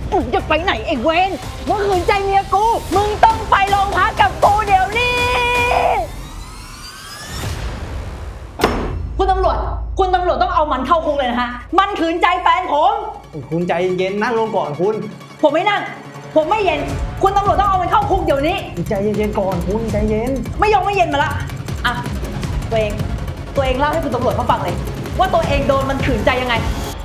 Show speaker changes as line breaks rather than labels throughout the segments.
มึงจะไปไหนไอ้เวนมึงขืนใจเมียกูมึงต้องไปโรงพักกับกูเดี๋ยวนี้คุณตำรวจต้องเอามันเข้าคุกเลยนะฮะมันขืนใจแฟนผม
คุณใจเย็นนั่งลงก่อนคุณ
ผมไม่นั่งผมไม่เย็นคุณตำรวจต้องเอามันเข้าคุกเดี๋ยวนี้
ใจเย็นๆก่อนคุณใจเย็น
ไม่เย็นมาละอ่ะตัวเองเล่าให้คุณตำรวจเขาฟังเลยว่าตัวเองโดนมันขืนใจยังไง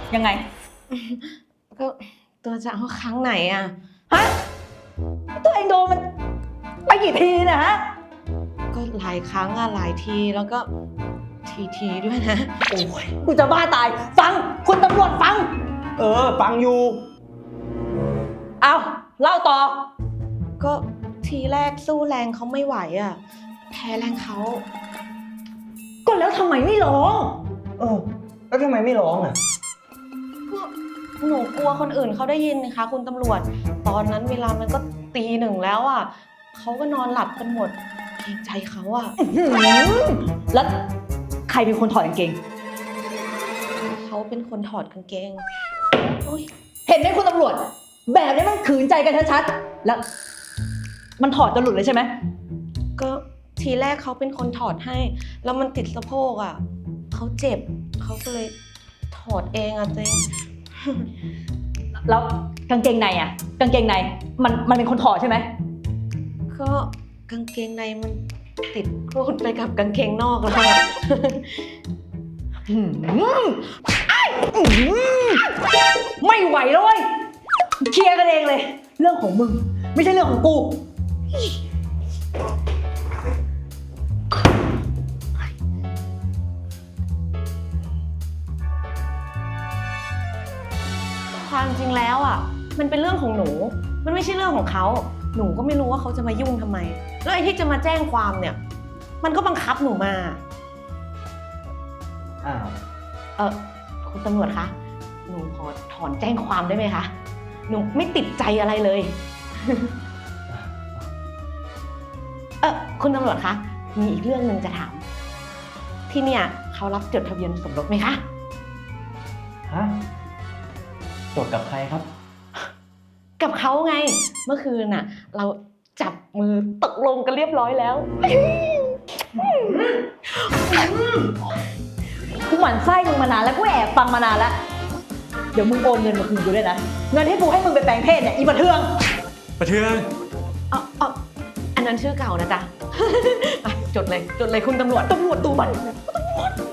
ก็ตัวจะเอาครั้งไหนอะ
ฮะตัวเองโดนมันไปกี่ทีนะฮะ
ก็หลายครั้งอะหลายทีแล้วก็ทีด้วยนะ
โอ้ยกูจะบ้าตายฟังคุณตำรวจฟัง
ฟังอยู่
เอาเล่าต่อ
ก็ทีแรกสู้แรงเขาไม่ไหวอะแพ้แรงเขา
ก็แล้วทำไมไม่ร้อง
แล้วทำไมไม่ร้องอ่ะ
ก็หนูกลัวคนอื่นเขาได้ยินนะคะคุณตำรวจตอนนั้นเวลามันก็ตีหนึ่งแล้วอะเขาก็นอนหลับกันหมดเกรงใจเขาอะ
แล้วใครเป็นคนถอดกางเกง
เขาเป็นคนถอดกางเกงโอ๊ย
เห็นไหมคุณตำรวจ แบบนี้มันขืนใจกันชัดๆแล้วมันถอดจนหลุดเลยใช่ไหม
ก็ทีแรกเขาเป็นคนถอดให้แล้วมันติดสะโพกอะเขาเจ็บเขาก็เลยถอดเองอะตัวเอง
แล้วกางเกงในอ่ะกางเกงในมันเป็นคนถอดใช่ไหม
ก็กางเกงในมันติดรูดไปกับกางเกงนอกแล้วอะ
ไม่ไหวแล้วเว้ยเคลียร์กันเองเลย เรื่องของมึงไม่ใช่เรื่องของกู
ความจริงแล้วอ่ะมันเป็นเรื่องของหนูมันไม่ใช่เรื่องของเขาหนูก็ไม่รู้ว่าเขาจะมายุ่งทำไมแล้วไอ้ที่จะมาแจ้งความเนี่ยมันก็บังคับหนูมา
อ้าว
คุณตำรวจคะหนูขอถอนแจ้งความได้ไหมคะหนูไม่ติดใจอะไรเลย คุณตำรวจคะมีอีกเรื่องหนึ่งจะถามที่เนี่ยเขารับจดทะเบียนสมรสไหมคะ
ฮะ จดกับใครครับ
กับเขาไงเมื่อคืนน่ะเราจับมือตกลงกันเรียบร้อยแล้ว
กูหมั่นไส้มึงมานานแล้วกูแอบฟังมานานแล้วเดี๋ยวมึงโอนเงินมาคืนกูด้วยนะเงินที่กูให้มึงไปแปลงเพศเนี่ยอีบันเทือง
ประเทือง
อันนั้นชื่อเก่านะจ๊ะ ไปจดเลยคุณตำรวจตัวมัน